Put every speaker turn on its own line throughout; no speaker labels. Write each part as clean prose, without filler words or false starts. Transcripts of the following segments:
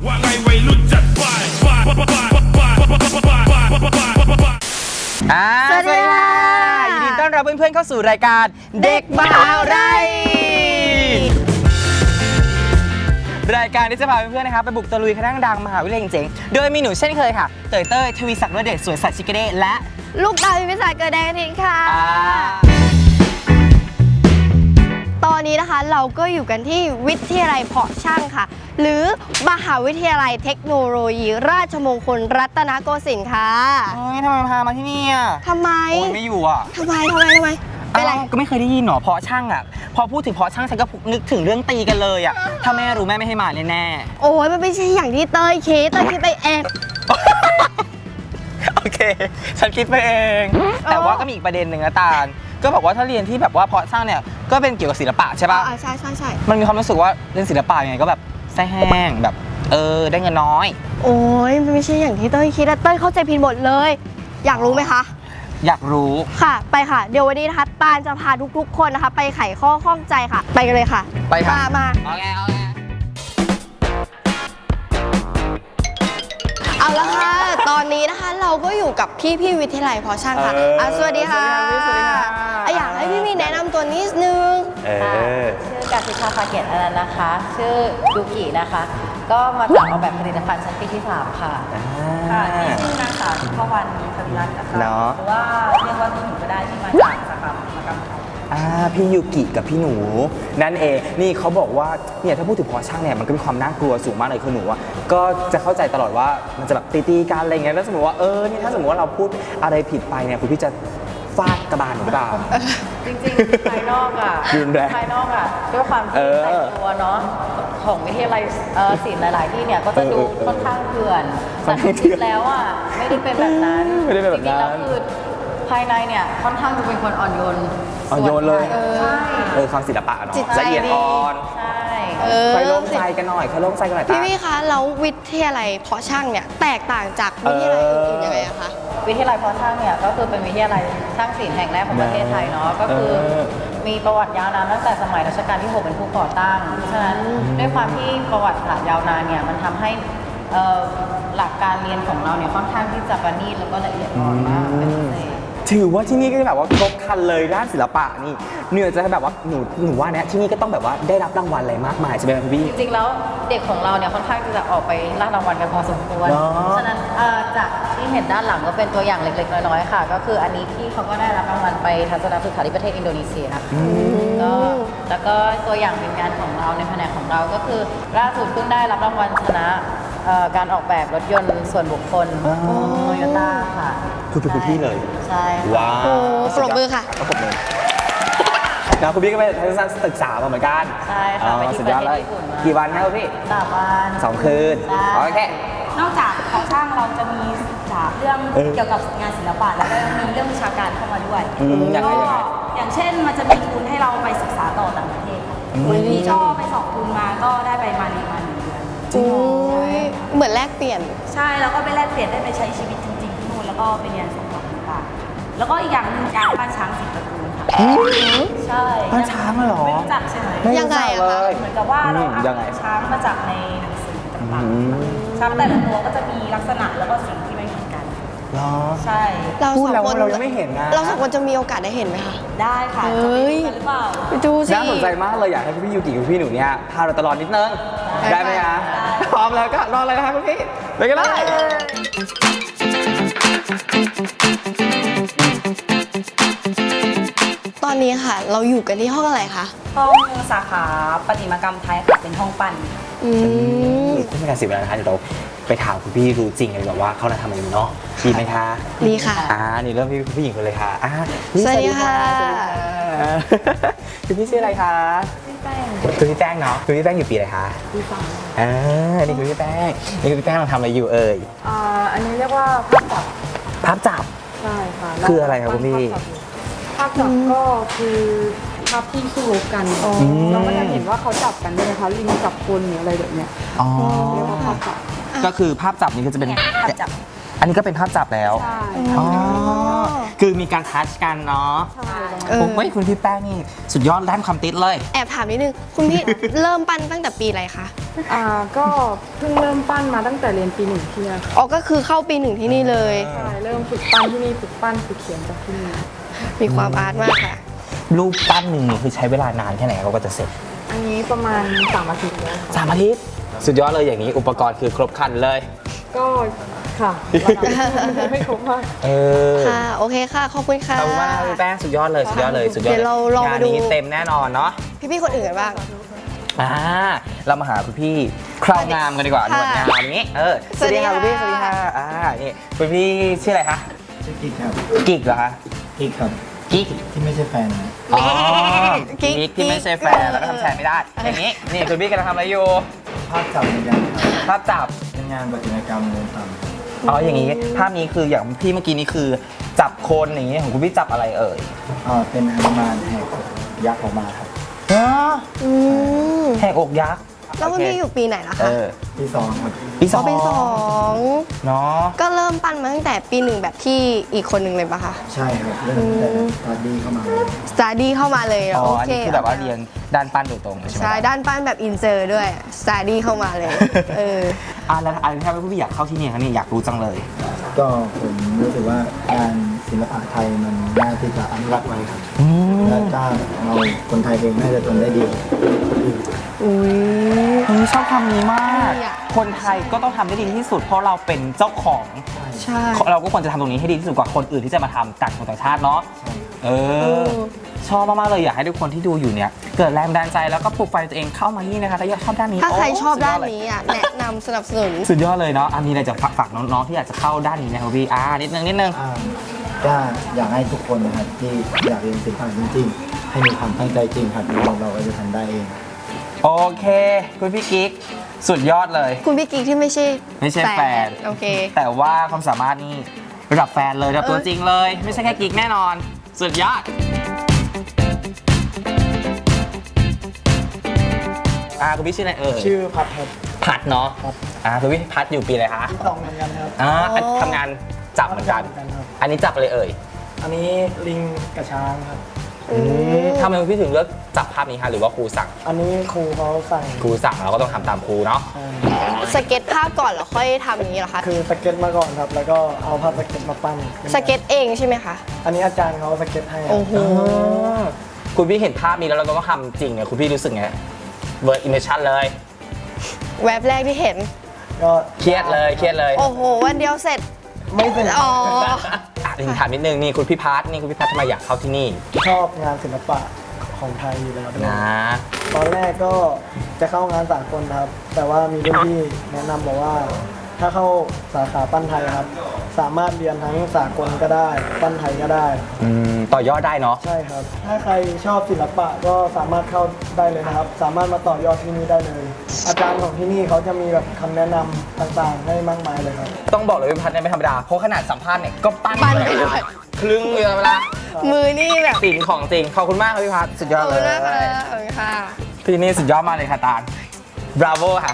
ว่าไงวัยรุ่นจัดไป
สวัสดีค่ะยินดีต้อนรับเพื่อนๆเข้าสู่รายการเด็กมหาไรรายการที่จะพาเพื่อนๆนะครับไปบุกตะลุยคณะดังมหาวิทยาลัยเจ๋งๆโดยมีหนูเช่นเคยค่ะเตยเต้ยทวีศักดิ์เดชสวยสัตว์ชิคเก้และ
ลูกตาพิมพิสารเกิดแดงทิ้งค่ะตอนนี้นะคะเราก็อยู่กันที่วิทยาลัยเพาะช่างค่ะหรือมหาวิทยาลัยเทคโนโลยีราชมงคลรัตนโกสินทร์ค่ะ
ทำไมพามาที่นี่อ่ะ
ทำไม
โอ้ยไม่อยู่อ่ะ
ทำไมเป็นไร
ก็ไม่เคยได้ยินหรอเพาะช่างอ่ะพอพูดถึงเพาะช่างฉันก็นึกถึงเรื่องตีกันเลยอ่ะถ้าแม่รู้แม่ไม่ให้มาแน่
ๆโอ้ยมันไม่ใช่อย่างที่เต้ยคิดไปเอง
โอเคฉันคิดไปเองแต่ว่าก็มีอีกประเด็นหนึ่งนะตาลก็บอกว่าถ้าเรียนที่แบบว่าเพาะช่างเนี่ยก็เป็นเกี่ยวกับศิลปะใช่ป่ะ
ใช่
มันมีความรู้สึกว่าเรียนศิลปะยังไงก็แบบแซ่แห้งแบบได้เงินน้อย
โอ้ยมันไม่ใช่อย่างที่เต้ยคิดเต้ยเข้าใจผิดหมดเลยอยากรู้ไหมคะ
อยากรู้
ค่ะไปค่ะเดี๋ยววันนี้นะคะตาลจะพาทุกๆคนนะคะไปไขข้อข้องใจค่ะไปกันเลยค่ะ
ไปค่ะ
มาเอาละค่ะตอนนี้นะคะเราก็อยู่กับพี่วิทยาลัยเพาะช่างค่ะสวัสดีค่ะอยากให้พี่มีแนะนำตัวนิดนึง
ชื่อกาติชาภาเกียรติอนันต์นะคะชื่อยูกินะคะก็มาจากออกแบบผลิตภัณฑ์ชั้นปีที่3ค่ะที่ชื่อนางสาวทิพวรรณสวิรัตน์นะคะหรือว่าเรียกว่าพี่หนูก็ได้ที่มาจากสาขาอุตสาหกรรม
พี่ยูกิกับพี่หนูนั่นเองนี่เขาบอกว่าเนี่ยถ้าพูดถึงเพาะช่างเนี่ยมันก็มีความน่ากลัวสูงมากเลยคือหนูอ่ะก็จะเข้าใจตลอดว่ามันจะแบบตีกันอะไรเงี้ยแล้วสมมติว่านี่ถ้าสมมติว่าเราพูดอะไรผิดไปเนี่ยคุณพี่จะฟาดกระบาลหรือเปล่า
จริงๆภายนอกอ่ะด้วยความที่แต่งตัวเนาะของวิทยาลัยศิลป์หลายๆที่เนี่ยก็จะดูค่อนข้างเถื่อนแต่จริงๆแล้วอ่ะไม่ได้เป็นแบบนั้นจริงๆแล้วคือภายในเนี่ยค่อนข้างจะเป็นคนอ่อนโยน
เลยใช่ความศิลปะเนาะละเอียดอ่อน
ใช่
ใครร่วมใจกันหน่อย
พี่คะแล้ววิทยาลัยเพาะช่างเนี่ยแตกต่างจากวิทยาลัยอื่นๆยังไงอะคะ
วิทยาลัยเพาะช่างเนี่ยก็คือเป็นวิทยาลัยช่างศิลป์แห่งแรกของประเทศไทยเนาะก็คือมีประวัติยาวนานตั้งแต่สมัยรัชกาลที่ 6เป็นผู้ก่อตั้งฉะนั้นด้วยความที่ประวัติศาสตร์ยาวนานเนี่ยมันทำให้หลักการเรียนของเราเนี่ยค่อนข้างที่จะประณีตแล้วก็ละเอียดอ่อนมากเป็นพิเศษ
ถือว่าที่นี่ก็แบบว่าครบครันเลยด้านศิลปะนี่เนื่อจะแบบว่าหนูว่าเนี่ยที่นี่ก็ต้องแบบว่าได้รับรางวัลอะไรมากมายใช่ไหมพี่
จริงๆแล้วเด็กของเราเนี่ยค่อนข้างจะออกไปล่ารางวัลกันพอสมควรฉะนั้นจากที่เห็นด้านหลังก็เป็นตัวอย่างเล็กๆน้อยๆค่ะก็คืออันนี้พี่เขาก็ได้รับรางวัลไปทัศนศึกษาที่ประเทศอินโดนีเซียแล้วก็ตัวอย่างเป็นงานของเราในแผนกของเราก็คือล่าสุดเพิ่งได้รับรางวัลชนะการออกแบบรถยนต์ส่วนบุคคลโตโยต้าค่ะ
คือเป็นพี่เลย
ใช่
ว้าว
ปรบมือค่ะ
ปรบมือนะคุณพี่ก็ไปทัศนศึกษามาเหมือนกัน
ใช่ค่ะไปที่ประเทศญี่ปุ่นมา
กี่วันครับพี่
3 วัน
2 คืนโอเคน
อกจากเพาะช่างเราจะมีศึกษาเรื่องเกี่ยวกับงานศิลปะแล้วก็มีเรื่องวิชาการเข้ามาด้วยอย่างเช่นมันจะมีทุนให้เราไปศึกษาต่อต่างประเทศมีช่อไป2 ทุนมาก็ได้ไปมา1 เดือน
เหมือนแลกเปลี่ยน
ใช่แล้วก็ไปแลกเปลี่ยนได้ไปใช้ชีวิตจริงๆที่นู่นแล้วก็ไปเรียนสอนต่างๆแล้วก็อีกอย่างหนึ่งการบ้านช้าง10 ตระกูลค่ะใช่
บ้านช้างเหรอ
ไม่รู้จักใช่ไหม
ยังไงอะคะ
เหมือนกับว่าเราเอาช้างมาจากในหนังสือต่างๆช้างแต่ละตัวก็จะมีลักษณะแล้วก็สิ่งที่ไม่เหมือนกันใช่
พูดแล้วเรายังไม่เห็นนะ
เรา2 คนจะมีโอกาสได้เห็นไหมคะ
ได้ค่ะ
เฮ้ย
หรือเปล่า
ไปดูสิ
น่าสนใจมากเลยอยากให้พี่ยูกิกับพี่หนูเนี่ยพาเราตลอดนิดนึงได้ไหมคะพร้อมแล้วก็รออะไรนะคะคุณพี่ไปกันเลย
ตอนนี้ค่ะเราอยู่กันที่ห้องอะไรคะ
ห้องสาขาประติมากรรมไทยค่ะเป็นห้องปั้น
ไม่เป็นการเสียเวลานะคะเดี๋ยวเราไปถามคุณพี่รู้จริงเลยแบบว่าเขาทำอะไรอยู่เนาะดีไหมคะ
ดีค่ะ
นี่เริ่มที่ผู้หญิงคนเลยค่ะ
สวัสดีค่ะ
คุณพี่ชื่ออะไรคะคุณพี่แป้งเนาะคุณพี่แป้งอยู่ปีอะไรคะ
ปี
3นี่คุณพี่แป้งเราทำอะไรอยู่เอ่ย
อันนี้เรียกว่า
ภาพจับ
ใช่ค่ะ
คืออะไรครับคุณพี่
ภาพจับก็คือภาพที่สู้รบกันเราก็จะเห็นว่าเขาจับกันด้วยนะคะลิงจับคนหรืออะไรแบบเนี้ยเรียกว่าภาพจับ
ก็คือภาพจับนี่ก็จะเป็นภาพจับอันนี้ก็เป็นภาพจับแล้ว
ใช่
คือคือมีการทัชกันเนาะ
เออ
ผมว่าคุณพี่แป้งนี่สุดยอดด้านความติดเลย
แอบถามนิดนึง คุณพี่ เริ่มปั้นตั้งแต่ปีอะไรคะ
ก็เพิ่งเริ่มปั้นมาตั้งแต่เรียนปี 1ที่นี่ค่ะ
อ๋อ ก็คือเข้าปี 1ที่นี่เลย
ใช่เริ่มฝึกปั้นที่นี่ฝึกปั้นฝึกเขียนจากที่นี่
มีความอาร์ตมากค่ะ
รูปปั้นหนึ่งนี่คือใช้เวลานานแค่ไหนเขาก็จะเสร็จ
อันนี้ประมาณ3อาทิตย์แล้วค่ะ
3 อาทิตย์สุดยอดเลยอย่างนี้อุปกรณ์คือครบครันเลย
ก็ค่ะไม่ครบมาก
เออ
ค่ะ โอเคค่ะ ขอบคุณค่ะ
ขอบคุณมากครับพี่แป้งสุดยอดเลยสุดยอดเลยสุดยอด
เดี๋ยวเราลอง
งาน
มาดู
นี้เต็มแน่นอนเนาะ
พี่ๆคนอื่นกันบ้าง
เรามาหาคุณพี่คราวงามกันดีกว่าหน
ค่ะ
วดงามนี้สวัสดีค่ะ
สวั
คุ
ส
ณ
ดี
พี่
ค่ะ
สวัสดีค่ะนี่คุณพี่ชื่ออะไรคะ
ชื่อกิ๊กครับ
กิกเหรอคะ
กิ๊กครับ
กิ๊ก
ที่ไม่ใช่แฟนนะ
อ๋อ
กิ๊ก
กิ๊กที่ไม่ใช่แฟนแล้วก็ทำแทนไม่ได้อย่างนี้นี่คุณพี่กำลังทำอะไรอยู่
ภาพจับเหมือนกันครับ
ภาพจับ
เป็นงานประติมากรรมเดินตาม
อ๋ออย่างนี้ภาพนี้คืออย่างพี่เมื่อกี้นี้คือจับคนอย่างนี้ของคุณพี่จับอะไรเอ่ย
เป็นฮนุมานแหกยักษ์ออกมาครับ
อืม
แหกอกยักษ์
แล้วคุณพี่อยู่ปีไหนล่ะ
เอ
คะ
อ
ที่สองครับ
ปีส
อ๋
อ
อง ปีสอง
เนาะ
ก็เริ่มปั้นมาตั้งแต่ปี 1แบบที่อีกคนหนึ่งเลยปะคะ
ใช่ครับเริ่มแต่ตอนดีเข้ามาเลย
สตาร์ดี้เข้ามาเลยเหร
อ๋อ
โอ
อัน
เค
นี้คือแบบว่าเรียนด้านปั้นโดยตรงเลยใช่ไหม
ใช่ ด้านปั้นแบบอินเจอร์ด้วยสตาร์ดี้เข้ามาเลย เออ
แล้วอะไรที่ทำให้พี่อยากเข้าที่นี่ครับนี่อยากรู้จังเลย
ก็ผมรู้สึกว่างานศิลปะไทยมันน่าที่จะอนุรักษ์ไว้ครับ และถ้าเราคนไทยเองน่าจะทำได้ดี
อุ้ย
ชอบคำนี้มาก
ดีอะ
คนไทยก็ต้องทำได้ดีที่สุด เพราะเราเป็นเจ้าของ
ใช่
เราก็ควรจะทำตรงนี้ให้ดีที่สุดกว่าคนอื่นที่จะมาทำต่างคนต่างชาติเนาะเออ ชอบมากๆเลยอยากให้ทุกคนที่ดูอยู่เนี่ย เกิดแรงบันดาลใจแล้วก็ปลุกไฟตัวเองเข้ามาที่นี่นะคะถ้าชอบด้านนี้
ถ้าใคร
โ
ชอบด้าน
สุยเลย
นี้อ่ะ แนะนำสนับสนุน
สุดยอดเลยเนาะมีอะไรจะฝากน้องๆที่อยากจะเข้าด้านนี้นะครับพี่นิดนึง
ก็อยากให้ทุกคนนะครับที่อยากเรียนศิลปะจริงๆ ให้มีความตั้งใจจริงครับเราก็จะทำได้เอง
โอเคคุณพี่กิ๊กสุดยอดเลย
คุณพี่กิ๊กที่ไม่ใช่
แฟน
โอเค
แต่ว่าความสามารถนี่ระดับแฟนเลยระดับตัวจริงเลย ไม่ใช่แค่กิ๊กแน่นอน สุดยอดคุณพี่ชื่ออะไรเอ่ย
ชื่อพัดครับ
พัดเนาะคุณพี่พัดอยู่ปีอะไรคะ
ที่สองเหมือนกันครับ
ทำงานจับเหมือนกัน
เหมือนกันครับ
อันนี้จับอะไรเอ่ย
อันนี้ลิงกระช้างครับ
ทำไมคุณพี่ถึงเลือกจับภาพนี้คะหรือว่าครูสั่ง
อันนี้ครูเขาสั่ง
ครูสั่งเราก็ต้องทำตามครูเนาะ
สเก็ตภาพก่อนแล้วค่อยทำอย่างนี้เหรอคะ
คือสเก็ตมาก่อนครับ แล้วก็เอาภาพสเก็ตมาปั้น
สเก็ตเองใช่ไหมคะ
อันนี้อาจารย์เขาสเก็ตให้ครับ
โอ้โห
คุณพี่เห็นภาพนี้แล้วเราต้องทำจริงเนี่ยคุณพี่รู้สึกไงเวิร์ดอิมเมชั่นเลย
แวบแรกที่เห็น
ก็
เครียดเลยเครียดเลย
โอ้โห วันเดียวเสร็จ
ไม่เป็น
อ๋อ
ถามนิดนึงนี่คุณพี่พัทนี่คุณพี่พัททำไมอยากเข้าที่นี่
ชอบงานศิลปะของไทยอยู่แล้วด้วย
นะ
ตอนแรกก็จะเข้างานสากลครับ แต่ว่ามีรุ่นพี่แนะนำบอกว่า ถ้าเข้าสาขาปั้นไทยครับ สามารถเรียนทั้งสากลก็ได้ ปั้นไทยก็ได้
ต่อยอดได้เนาะ
ใช่ครับ ถ้าใครชอบศิลปะก็สามารถเข้าได้เลยนะครับ สามารถมาต่อยอดที่นี่ได้เลย อาจารย์ของที่นี่เขาจะมีแบบคำแนะนำต่างๆ ให้มากมายเลยครับ
ต้องบอกเลยพี่พัทเนี่ยไม่ธรรมดาเพราะขนาดสัมภาษณ์เนี่ยก็ปั้น
ปั้น
เลย
ด้วย
ครึ่งเรือเวลา
มือนี่แบบ
ศิลป์ของจริงขอบคุณมากครับพี่พัทสุดยอ
ข
ด
อบ
เล
คุ
ย
ณนะคะขอบคุณค่ะ
พี่นี่สุดยอดมากเลยค่ะตาลบราโวค่ะ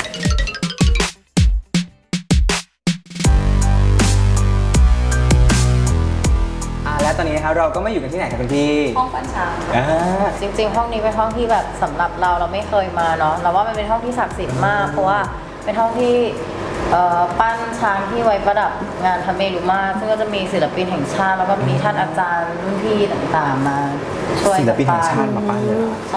และตอนนี้นะครับเราก็ไม่อยู่กันที่ไหนกันเป็นพี่
ห้องปั้นช้าง
อ่า
จริงๆ ห้องนี้เป็นห้องที่แบบสำหรับเราไม่เคยมาเนาะเราว่ามันเป็นห้องที่ศักดิ์สิทธิ์มาก เพราะว่าเป็นห้องที่ปั้นช้างที่ไว้ประดับงานพระเมรุมาตรซึ่งก็จะมีศิลปินแห่งชาติแล้วก็มีท่านอาจารย์รุ่นพี่ต่างๆมาช่วย
ศิลปินแห่งชาติมาปั้นเลย
ใช่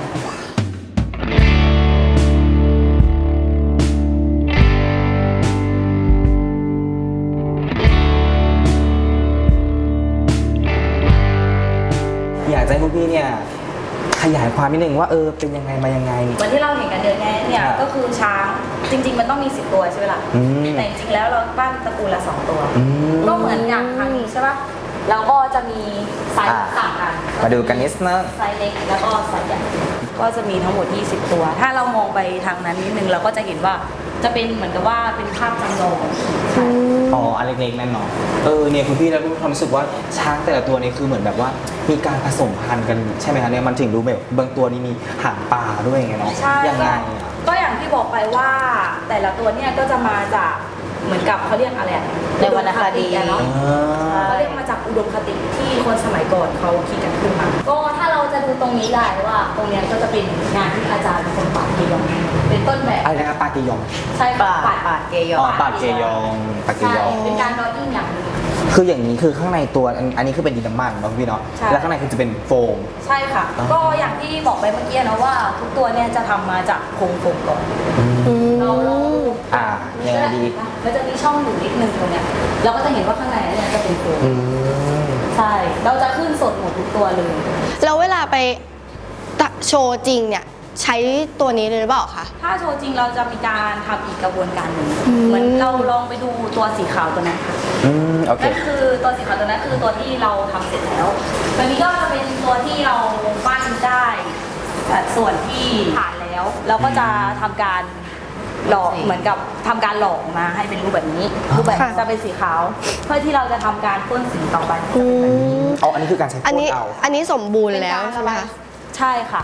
อยากจะให้พวกพี่เนี่ยขยายความนิดนึงว่าเป็นยังไงมายังไง
เหมือนที่เราเห็นกันเดินแง่เนี่ย
ครับ
ก็คือช้างจริง ๆ มันต้องมี 10 ตัวใช่ไหมล่ะ
อืม
แต่จริงๆแล้วเราปั้นตระกูลละ 2 ตัว
อืม
ก็เหมือนอย่างครั้งนี้ใช่ปะเราก็จะมีไซส์ต่างกัน
มาดูกันนิดนึง
ไซส์เล็กแล้วก็ไซส์ใหญ่ก็จะมีทั้งหมด 20 ตัว ถ้าเรามองไปทางนั้นนิดนึงเราก็จะเห็นว่าจะเป็นเหมือนกับว่าเป็นภาพจำลองใช่
อ๋ออันเล็กๆนั่นเนาะเนี่ยคุณพี่แล้วความรู้สึกว่าช้างแต่ละตัวนี่คือเหมือนแบบว่ามีการผสมพันธุ์กันใช่ไหมคะเนี่ยมันถึงรู้แบบบางตัวนี่มีหางปลาด้วยไงเนาะ
ใช่
ยังไง
ก็อย่างที่บอกไปว่าแต่ละตัวเนี่ยก็จะมาจากเหมือนกับเขาเรียกอะไรอะ
ในวรรณคดี
อะเนาะเขาเรียกมาจากอุดมคติที่คนสมัยก่อนเขาคิดกันขึ้นมาก็ถ้าเราจะดูตรงนี้ได้ว่าตรงเนี้ยก็จะเป็นงานที่อาจารย์เป็นคนปัดเกยองเป็นต้นแบบ
อะไรนะครับปาเกยอง
ใช่ค่ะ
ปาดเกยอ
อ๋อง ปาเกยองปาเก
ใช่
ยอง
เป็นการดรออิ่งอย่างหนึง
คืออย่างนี้คือข้างในตัวอันนี้คือเป็นดินน้ำมันเนาะพี่เนาะ
ใช่
แล้วข้างในคือจะเป็นโฟม
ใช่ค่ะ ก็อย่างที่บอกไปเมื่อกี้นะว่าทุกตัวเนี่ยจะทำมาจากโครงโฟมก่อนเราลองดู
ยังไงดี
มันจะมีช่องอยู่นิดนึงตรงเนี้ยเราก็จะเห็นว่าข้างในเนี่ยจะเป็นโฟม
อืม
ใช่เราจะขึ้นสดหมดทุกตัวเลย
แล้วเวลาไปโชว์จริงเนี่ยใช้ตัวนี้เลยหรือเปล่าคะ
ถ้าโชว์จริงเราจะมีการทำอีกกระบวนการหนึ่งเหมือนเราลองไปดูตัวสีขาวตัวนั้นค่ะ
โอเค
นั่นคือตัวสีขาวตัวนั้นคือตัวที่เราทำเสร็จแล้วตัวนี้ก็จะเป็นตัวที่เราปั้นได้แต่ส่วนที่ผ่านแล้ว เราก็จะทำการหล่อเหมือนกับทำการหล่อมาให้เป็นรูปแบบนี้ รูปแบบ
ค่ะ
จะเป็นสีขาว เพื่อที่เราจะทำการพ่นสีต่อไป
เอาอันนี้คือการใช้โฟ
อัน
ม
นี้
เอา
อันนี้สมบูรณ์แล้วใช่ไหมคะ
ใช่ค่ะ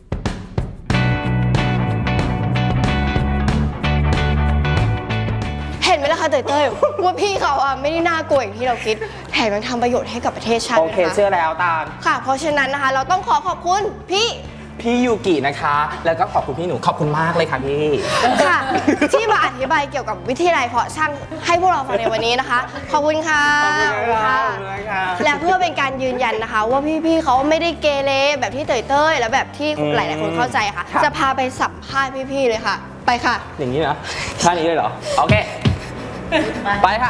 เห็นไหมล่ะคะเต้ยว่าพี่เขาอ่ะไม่ได้น่ากลัวอย่างที่เราคิดแถมยังทำประโยชน์ให้กับประเทศชาติ
โอ
ด้วย
เค
นะคะ
เชื่อแล้วตาล
ค่ะ เพราะฉะนั้นนะคะ เราต้องขอบคุณพี่
ยูกินะคะ แล้วก็ขอบคุณพี่หนูขอบคุณมากเลยค่ะพี่
ค่ะ ที่มาอธิบายเกี่ยวกับวิทยาลัยเพาะช่างให้พวกเราฟังในวันนี้นะคะ ขอบคุณค่ะ
ขอบคุณค่ะ
และเพื่อเป็นการยืนยันนะคะ ว่าพี่ๆเขาไม่ได้เกเรแบบที่เต้ยและแบบที่หลายๆคนเข้าใจค่ะ จะพาไปสัมภาษณ์พี่ๆเลยค่ะ ไปค่ะ
อย่างนี้นะท่านี้เลยเหรอ โอเค ไปค่ะ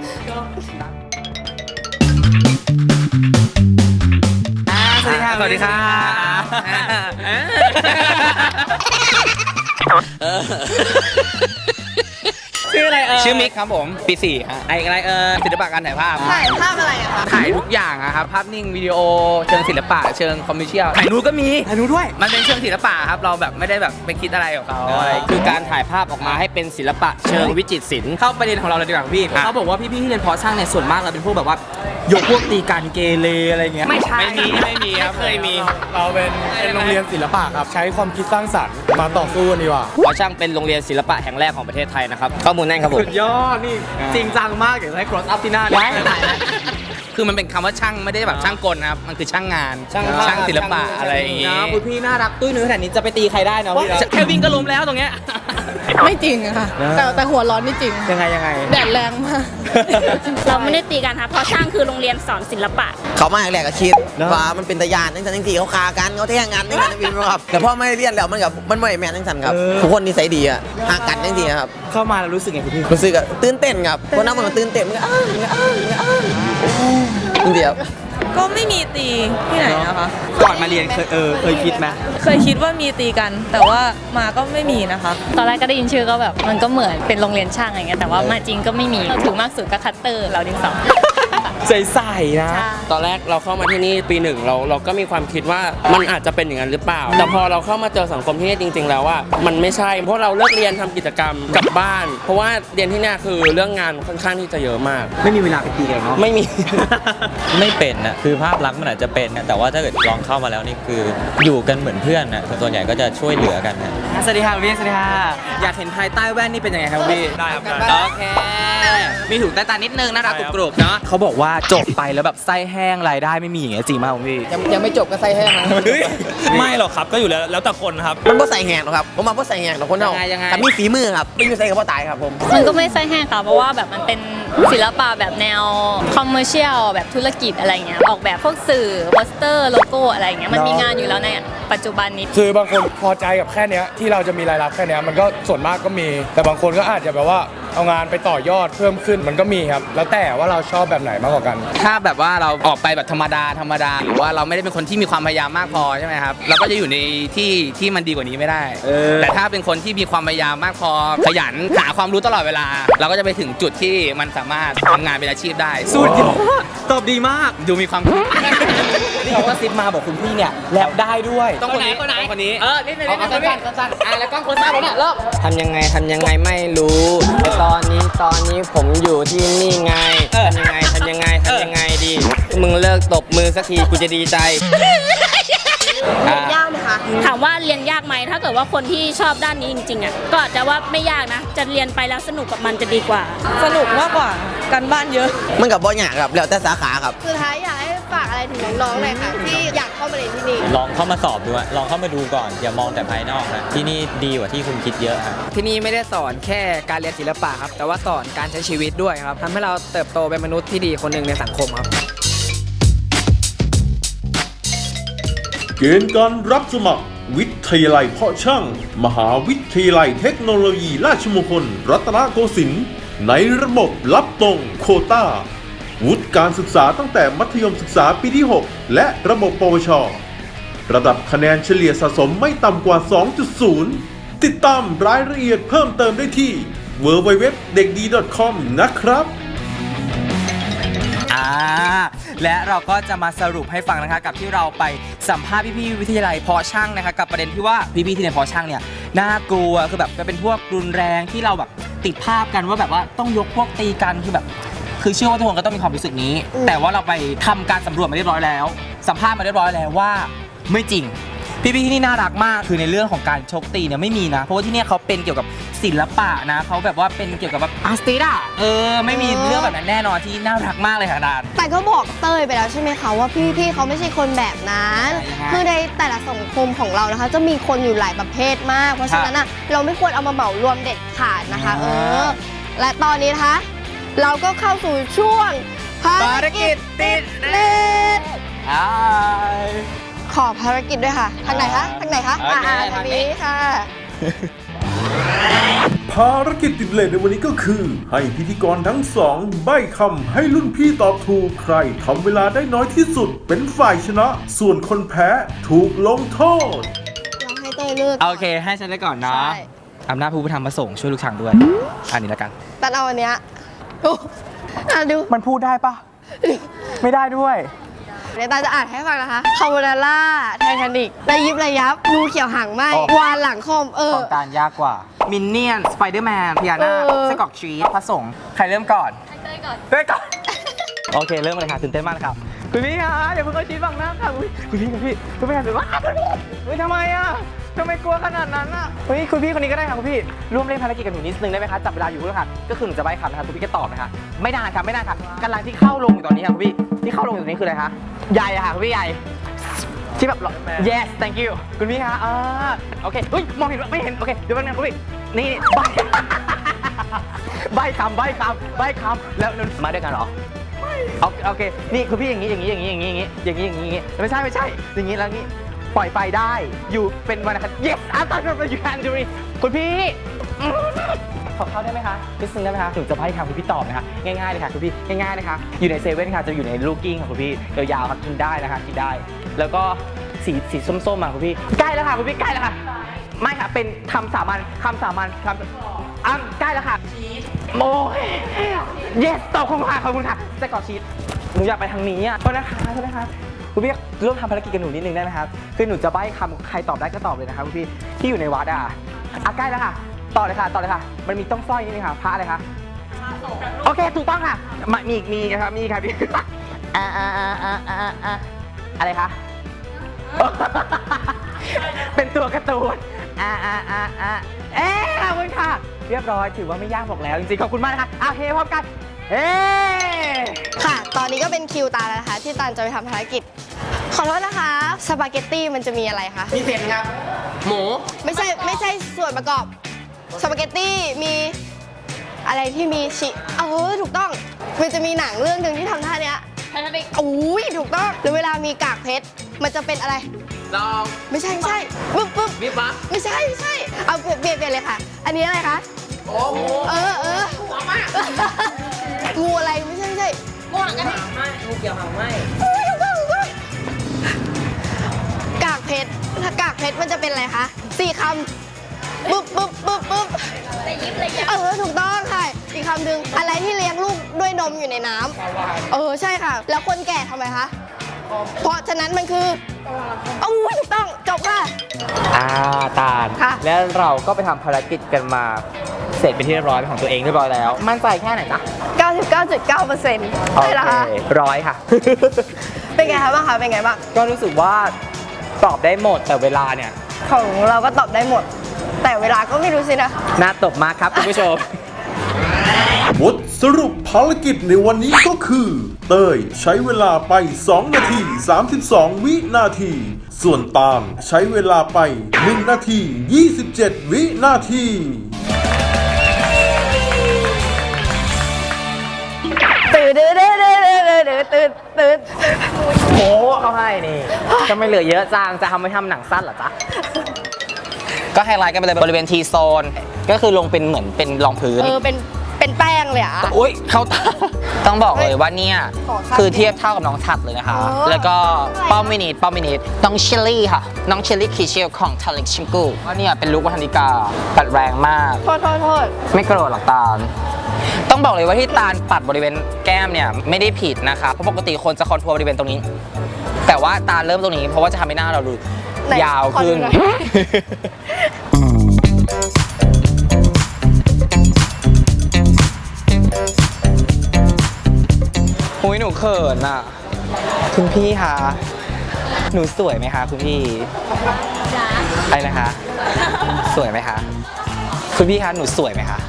สวัสดีค่ะ สวัสดีค่ะ
ชื่ออะไร
ชื่อมิกครับผม ปี 4 ฮะ
ไอ้อะไรศิลปะการถ่ายภาพ
ถ่ายภาพอะไรอะคะ
ถ่ายทุกอย่างอะครับ ภาพนิ่งวิดีโอเชิงศิลปะเชิงคอมเมอร์เชียลถ่ายนูดก็มี
ถ่ายนูดด้วย
มันเป็นเชิงศิลปะครับ เราแบบไม่ได้แบบไปคิดอะไรกับเขาอะไรคือการถ่ายภาพออกมาให้เป็นศิลปะเชิงวิจิตรศิลป์เข้าประเด็นของเราเลยดีกว่าพี่เขาบอกว่าพี่ๆที่เรียนเพาะช่างเนี่ยส่วนมากเราเป็นพวกแบบว่ายกพวกตีกันเกเรอะไรเงี้ยไม่ใช่ไม่มีครับเคยมี
เราเป็นโรงเรียนศิลปะครับ ใช้ความคิดสร้างสรรค์มาต่อสู้กันดีกว่า
เพาะช่างเป็นโรงเรียนศิลปะแห่งแรกของประเทศไทยนะครับข้อมูลแน่นครับผม
สุดยอด นี่จริงจังมากเดี๋ยวให้ cross up ที่หน้า
ได้คือมันเป็นคำว่าช่างไม่ได้แบบช่างกลนะครับ มันคือช่างงานช่างศิลปะอะไรอย่างงี้
นะคุณพี่น่ารักตุ้ยนุ้ยขนาดนี้จะไปตีใครได้เนาะพี่เนาะ
แค่วิ่งก็ล้มแล้วตรงเนี้ย
ไม่จริงอะค่ะ แต่หัวร้อนนี่จริง
ยังไง
แดดแรงมาก
เราไม่ได้ตีกันค่ะเพราะช่างคือโรงเรียนสอนศิลปะ
เขามาแรกก็คิดว่ามันเป็นตะยานทั้งสันทั้งสี่เขาคากันเขาแท่งกันทั้งสันทั้งสี่ครับแต่พอไม่เรียนแล้วมันไม่แม่นทั้งสันครับทุกคนนิสัยดีอะหากันทั้งสี่ครับ
เข้ามาแล้วรู้สึกไงคุณพี่
รู้สึกอะตื่นเต้นครับคนนั้นมันก็ตื่นเต้นมันก็จริงๆครับ
ก็ไม่มีตีที่ไหนนะคะ
ก่อนมาเรียนเคยคิดไหม
เคยคิดว่ามีตีกัน แต่ว่ามาก็ไม่มีนะคะ
ตอนแรกก็ได้ยินชื่อก็แบบมันก็เหมือนเป็นโรงเรียนช่างอะไรเงี้ยแต่ว่ามาจริงก็ไม่มีถึงมากสุดก็คัตเตอร์เราดินสอ
ใส่นะ
ตอนแรกเราเข้ามาที่นี่ปี 1เราก็มีความคิดว่ามันอาจจะเป็นอย่างนั้นหรือเปล่า แต่พอเราเข้ามาเจอสังคมที่นี่จริง ๆ แล้วว่ามันไม่ใช่เพราะเราเลิกเรียนทำกิจกรรมกลับบ้าน เพราะว่าเรียนที่เนี่ยคือเรื่องงานค่อนข้างที่จะเยอะมาก
ไม่มีเวลาไปตีกันเนาะ
ไม่มี
ไม่เป็นนะคือภาพลักษณ์มันอาจจะเป็นนะแต่ว่าถ้าเกิดลองเข้ามาแล้วนี่คืออยู่กันเหมือนเพื่อนนะส่วนใหญ่ก็จะช่วยเหลือกันนะ
สวัสดีค่ะพี่สวัสดีค่ะ อยากเห็นภายใต้แว่นนี่เป็นยังไงครับพี่
ได้ครับ
โอเค มีถุงใต้ตานิดนึงน่ารักกรุบๆเนาะ
เขาบอกว่าจบไปแล้วแบบไส้แห้งรายได้ไม่มีอย่างเงี้ยจริงมากคุณพี่
ยังไม่จบก็ใส่แห้งนะ
ไม่หรอกครับก็อยู่แล้วแต่คนครับ
มันก็ใส่แห้งหรอกครับผมมาก็ใส่แห้งหรอกคนเรา
ยังไง
แต่มีฝีมือครับไม่มีใส่กับพ่อตายครับผม
มันก็ไม่ใช่แห้งค่ะเพราะว่าแบบมันเป็นศิลปะแบบแนวคอมเมอร์เชียลแบบธุรกิจอะไรเงี้ยออกแบบพวกสื่อโปสเตอร์โลโก้อะไรเงี้ยมันมีงานอยู่แล้วในปัจจุบันนี้
คือบางคนพอใจกับแค่เนี้ยที่เราจะมีรายรับแค่เนี้ยมันก็ส่วนมากก็มี แต่บางคนก็อาจจะแบบว่าเอางานไปต่อยอดเพิ่มขึ้นมันก็มีครับ แล้วแต่ว่าเราชอบแบบไหนมากกว่ากัน
ถ้าแบบว่าเราออกไปแบบธรรมดาหรือว่าเราไม่ได้เป็นคนที่มีความพยายามมากพอใช่ไหมครับเราก็จะอยู่ในที่มันดีกว่านี้ไม่ได้ แต่ถ้าเป็นคนที่มีความพยายามมากพอขยันหาความรู้ตลอดเวลา เราก็จะไปถึงจุดที่มันสามารถทำงานเป็นอาชีพได้
สุดยอดตอบดีมาก
ดูมีความ
นี่เขาก็ซิปมาบอกคุณพี่เนี่ยแรปได้ด้วย
ต้องคนนี้คนนี้นิดนึงสั้นๆแล้วกล้องคนซ้ายผมเนี่ยเริ่มทำยังไงไม่รู้แต่ตอนนี้ผมอยู่ที่นี่ไงทำยังไงดีมึงเลิกตบมือสักทีกูจะดีใจ
เรียนยากไหมคะ
ถามว่าเรียนยากไหมถ้าเกิดว่าคนที่ชอบด้านนี้จริงๆอ่ะก็อาจจะว่าไม่ยากนะจะเรียนไปแล้วสนุกกับมันจะดีกว่า
สนุกมากกว่าการบ้านเยอะ
มันกับบ่อยากครับแล้วแต่สาขาครับ
สุดท้ายอยากให้ฝากอะไรถึงน้องๆหน่อยค่ะที่อยากเข้ามาเรียนที่นี่
ลองเข้ามาสอบดูอะลองเข้ามาดูก่อนอย่ามองแต่ภายนอกนะที่นี่ดีกว่าที่คุณคิดเยอะครับ
ที่นี่ไม่ได้สอนแค่การเรียนศิลปะครับแต่ว่าสอนการใช้ชีวิตด้วยครับทำให้เราเติบโตเป็นมนุษย์ที่ดีคนหนึ่งในสังคมครับ
เกณฑ์การรับสมัครวิทยาลัยเพาะช่าง มหาวิทยาลัยเทคโนโลยีราชมงคลรัตนโกสินทร์ในระบบรับตรงโควต้าวุฒิการศึกษาตั้งแต่มัธยมศึกษาปีที่ 6 และระบบปวช ระดับคะแนนเฉลี่ยสะสมไม่ต่ำกว่า 2.0 ติดตามรายละเอียดเพิ่มเติมได้ที่ www.dekdi.com นะครับ
และเราก็จะมาสรุปให้ฟังนะคะกับที่เราไปสัมภาษณ์พี่ๆวิทยาลัยเพาะช่างนะคะกับประเด็นที่ว่าพี่ๆที่เรียนเพาะช่างเนี่ยน่ากลัวคือแบบเป็นพวกรุนแรงที่เราแบบติดภาพกันว่าแบบว่าต้องยกพวกตีกันคือเชื่อว่าทุกคนก็ต้องมีความรู้สึกนี้แต่ว่าเราไปทำการสำรวจมาเรียบร้อยแล้วสัมภาษณ์มาเรียบร้อยแล้วว่าไม่จริงพี่ๆที่นี่น่ารักมากคือในเรื่องของการชกตีเนี่ยไม่มีนะเพราะว่าที่นี่เขาเป็นเกี่ยวกับศิลปะนะเขาแบบว่าเป็นเกี่ยวกับแบบอาร์ติสต์ไม่มีเรื่องแบบนั้นแน่นอนที่น่ารักมากเลยค่ะดาน
แต่ก็บอกเต้ยไปแล้วใช่ไหมคะว่าพี่ๆเขาไม่ใช่คนแบบนั้นคือในแต่ละสังคมของเรานะคะจะมีคนอยู่หลายประเภทมากเพราะฉะนั้นอ่ะเราไม่ควรเอามาเหมารวมเด็ดขาดนะคะและตอนนี้นะคะเราก็เข้าสู่ช่วงภารกิจติดเลทขอภารกิจด้วยค่ะทางไหนคะทางนี้ค่ะ
ภารกิจติดเลทในวันนี้ก็คือให้พิธีกรทั้งสองใบ้คำให้รุ่นพี่ตอบถูกใครทำเวลาได้น้อยที่สุดเป็นฝ่ายชนะส่วนคนแพ้ถูกลงโทษ
เราให้เต้ยเลือก
โอเคให้ฉันได้ก่อนนะอำนาจผู้พิทักษ์มาส่งช่วยลูกช้างด้วยอันนี้แล้วกัน
แต่เอาอันเนี้ยดู
มันพูดได้ปะไม่ได้ด้วย
เดี๋ยวตาจะอ่านให้ฟังนะคะคาโบนาร่าไททานิกระยิบระยับงูเขียวหางไหมวานหลังคอม
ของการยากกว่ามินเนี่ยนสไปเดอร์แมนพิยาน่าไส้กรอกชีสผสมใครเริ่มก่อนเต้ยก่อนโอเคเริ่มเลยค่ะตื่นเต้นมากครับคุณพี่คะอย่าเพิ่งเอาชีสบังหน้าค่ะคุณพี่ไม่ทำแบบว่าทำไมอ่ะทำไมกลัวขนาดนั้นอ่ะคุณพี่คนนี้ก็ได้ค่ะคุณพี่ร่วมเล่นภารกิจกับหนูนิดนึงได้ไหมคะจับเวลาอยู่ด้วยค่ะก็คือหนูจะใบ้คำนะคะคุณพี่ก็ตอบนะคะไม่นานค่ะกำลังที่เข้าลงอยู่ตอนนี้ค่ะคุณพี่ที่เข้าลงอยู่ตอนนี้คืออะไรคะใหญ่ค่ะคุณพี่ใหญ่ที่แบบ yes thank you คุณพี่คะโอเคมองเห็นไม่เห็นโอเคเดี๋ยวแป๊บนึงคุณพี่นี่ใบ้คำแล้วมาด้วยกันเหรอโอเคนี่คุณพี่อย่างนี้ไม่ใช่อย่างนี้แล้วนี้ปล่อยไฟได้อยู่เป็นวันนะครับ yes after you can do it คุณพี่ขอเข้าได้ไหมคะนิดนึงได้ไหมคะถึงจะให้ค่ะคุณพี่ตอบนะคะง่ายๆเลยค่ะคุณพี่ง่ายๆนะคะอยู่ในเซเว่นค่ะจะอยู่ในลูกกิ้งของคุณพี่ยาวๆค่ะกินได้นะคะกินได้แล้วก็สีส้มๆอ่ะคุณพี่ใกล้แล้วค่ะคุณพี่ใกล้แล้วค่ะไม่ค่ะเป็นคำสามัญใกล้แล้วค่ะโอ้ย yes ตอบขอบคุณค่ะไส้กรอกชีสหนูอยากไปทางนี้อ่ะโทษนะคะคุณพี่ร่วมทำภารกิจกับหนูนิดนึงได้ไหมครับคือหนูจะใบ้คำใครตอบได้ก็ตอบเลยนะครับคุณพี่ที่อยู่ในวัดใกล้แล้วค่ะต่อเลยค่ะมันมีต้องสร้อยนิดนึงค่ะพระอะไรคะโอเคถูกต้องค่ะมีครับมีค่ะพี่อะไรคะเป็นตัวการ์ตูนขอบคุณค่ะเรียบร้อยถือว่าไม่ยากบอกแล้วจริงๆขอบคุณมากนะคะโอเคพร้อมกัน
ค่ะตอนนี้ก็เป็นคิวตาแล้วนะคะที่ตาลจะไปทำภารกิจขอโทษนะคะสปาเกตตี้มันจะมีอะไรคะ
มีเส้นครับหมู
ไม่ใช่ส่วนประกอบสปาเกตตี้มีอะไรที่มีถูกต้องมันจะมีหนังเรื่องหนึ่งที่ทำท่าเนี้ยถูกต้องหรือเวลามีกากเพชรมันจะเป็นอะไร
ลอง
ไม่ใช่ปึ๊บ
วิบวับ
ไม่ใช่เอาเปลี่ยนเลยค่ะอันนี้อะไรคะงูอะไรไม่ใช่
งูหางกระดิ่ง
งูเกี่ยวหางไหม
กากเพชรถ้ากากเพชรมันจะเป็นอะไรคะ4 คำปึ๊บ
ระยิบระยับ
ถูกต้องค่ะอีกคำหนึ่งอะไรที่เลี้ยงลูกด้วยนมอยู่ในน้ำใช่ค่ะแล้วคนแก่ทำไมคะเพราะฉะนั้นมันคือถูกต้องจบค่ะ
ตาลแล้วเราก็ไปทำภารกิจกันมาเสร็จเป็นที่เรียบร้อยของตัวเองเรียบร้อยแล้วมั่นใจแค่ไหนนะ
99.9%ใช่แล้วค่ะ
100 ค่ะ
เป็นไงคะบ้างคะเป็นไงบ้าง
ก็รู้สึกว่าตอบได้หมดแต่เวลาเนี่ย
ของเราก็ตอบได้หมด แต่เวลาก็ไม่รู้สินะ
น่าตบมากครับคุณผู้ชม
บทสรุปภารกิจในวันนี้ก็คือ เต้ยใช้เวลาไป 2 นาที 32 วินาที ส่วนตาลใช้เวลาไป 1 นาที 27 วินาที
ตื่นตื่น
โอ้เขาให้นี่จะไม่เหลือเยอะจังจะทำไม่ทำหนังสั้นเหรอจ๊ะ ก็ไฮไลท์กันไปเลยบริเวณทีโซนก็คือลงเป็นเหมือนเป็นรองพื้น
เป็นแป้งเลยอ่ะ
อุ้ยเขาต้องบอกเลยว่าเนี่ย
ขอครับ
คือเทียบเท่ากับน้องชัดเลยนะคะ
อ๋อ
แล้วก็ป้อมมินิทน้องเชลลี่ค่ะ น้องเชลลี่คีเชลของทาริกชิมกูว่าเนี่ยเป็นลุควัฒนิกาปัดแรงมาก
โทษ
ไม่โกรธหรอกตาล ต้องบอกเลยว่าที่ตาลปัดบริเวณแก้มเนี่ยไม่ได้ผิดนะคะเพราะปกติคนจะคอนทัวร์บริเวณตรงนี้ แต่ว่าตาลเริ่มตรงนี้เพราะว่าจะทำให้หน้าเราดู
ไหน
ยาวขึ้น
ขอดูหน่อย
หุยหนูเขินอ่ะ คุณพี่คะหนูสวยไหมคะคุณพี่อะไรนะคะ สวยไหมคะคุณพี่คะหนูสวยไหมคะ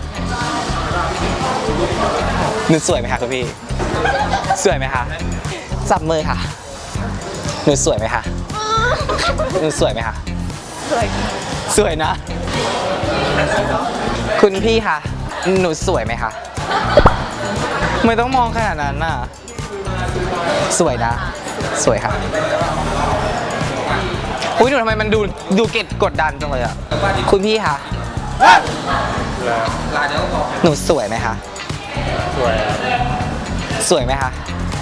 หนูสวยไหมคะคุณพี่สวยไหมคะจับมือค่ะหนูสวยไหมคะหนูสวยไหมคะสวยนะ คุณพี่คะหนูสวยไหมคะไม่ต้องมองขนาดนั้นน่ะสวยนะ สวยค่ะอุ้ยหนูทำไมมันดูเก็บกดดันจังเลยอ่ะคุณพี่คะหนูสวยไหมคะสวยไหมคะ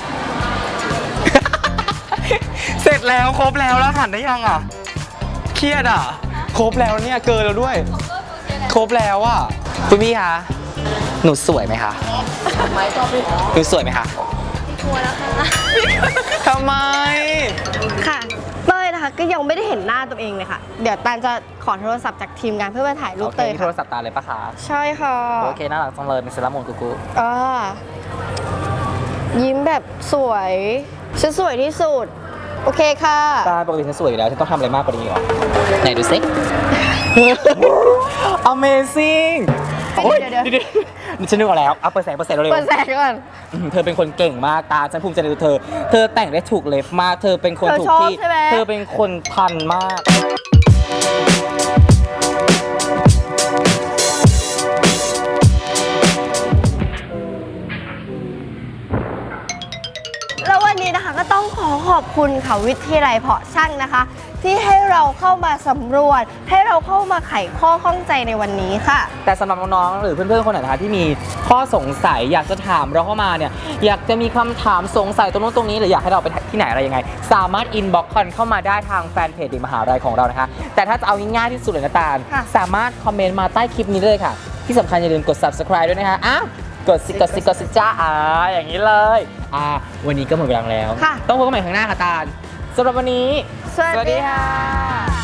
เสร็จแล้วครบแล้วหันได้ยังอ่ะเครียดอ่ะครบแล้วเนี่ยเกินแล้วด้วยครบแล้วอ่ะคุณพี่คะหนูสวยไหมคะหนูสวยไหมคะกลัวแล้วค่ะทำไม
ค่ะเต้ยนะคะก็ยังไม่ได้เห็นหน้าตัวเองเลยค่ะ เดี๋ยวตาลจะขอโทรศัพท์จากทีมงานเพื่อมาถ่ายรู
โอ
ป
เค
เต้ย
มีโท
ค่ะ
รศัพท์ตาเลยปะคะ
ใช่ค่ะ
โอเคน่ารักจังเลยเป็นเซรามูนกุ๊ก
ยิ้มแบบสวยฉันสวยที่สุด โอเคค่ะ
ตาปกติฉันสวยอยู่แล้วฉันต้องทำอะไรมากกว่านี้หรอไหนดูสิ Amazing
เดี๋ยว
ฉันนึกออกแล้วเอาเปิดแสงเร็ว
เปิดแสงก่อน
เธอเป็นคนเก่งมากตาฉันภูมิใจในตัวเธอแต่งได้ถูกเล็บมากเธอเป็นคนถูกที่
เธอชอบใช่ไหม
เธอเป็นคนทันมาก
แล้ววันนี้นะคะก็ต้องขอขอบคุณค่ะวิทยาลัยเพาะช่างนะคะ ที่ให้เราเข้ามาสำรวจให้เราเข้ามาไขข้อข้องใจในวันนี้ค่ะ
แต่สำหรับน้องๆหรือเพื่อนๆคนไหนนะคะที่มีข้อสงสัยอยากจะถามเราเข้ามาเนี่ยอยากจะมีคำถามสงสัยตรงนู้นตรงนี้หรืออยากให้เราไปที่ไหนอะไรยังไงสามารถอินบ็อกซ์กันเข้ามาได้ทางแฟนเพจเด็กมหาลัยของเรานะคะแต่ถ้าจะเอาง่ายๆที่สุดเลยนะตาล
ค่ะ
สามารถคอมเมนต์มาใต้คลิปนี้เลยค่ะที่สำคัญอย่าลืมกด subscribe ด้วยนะคะกดสิจ้าอย่างนี้เลยวันนี้ก็หมดเวลาแล้ว
ค่ะ
ต้องพบกันใหม่ครั้งหน้าค่ะตาลสำหรับวันนี้
สวัสดีค่ะ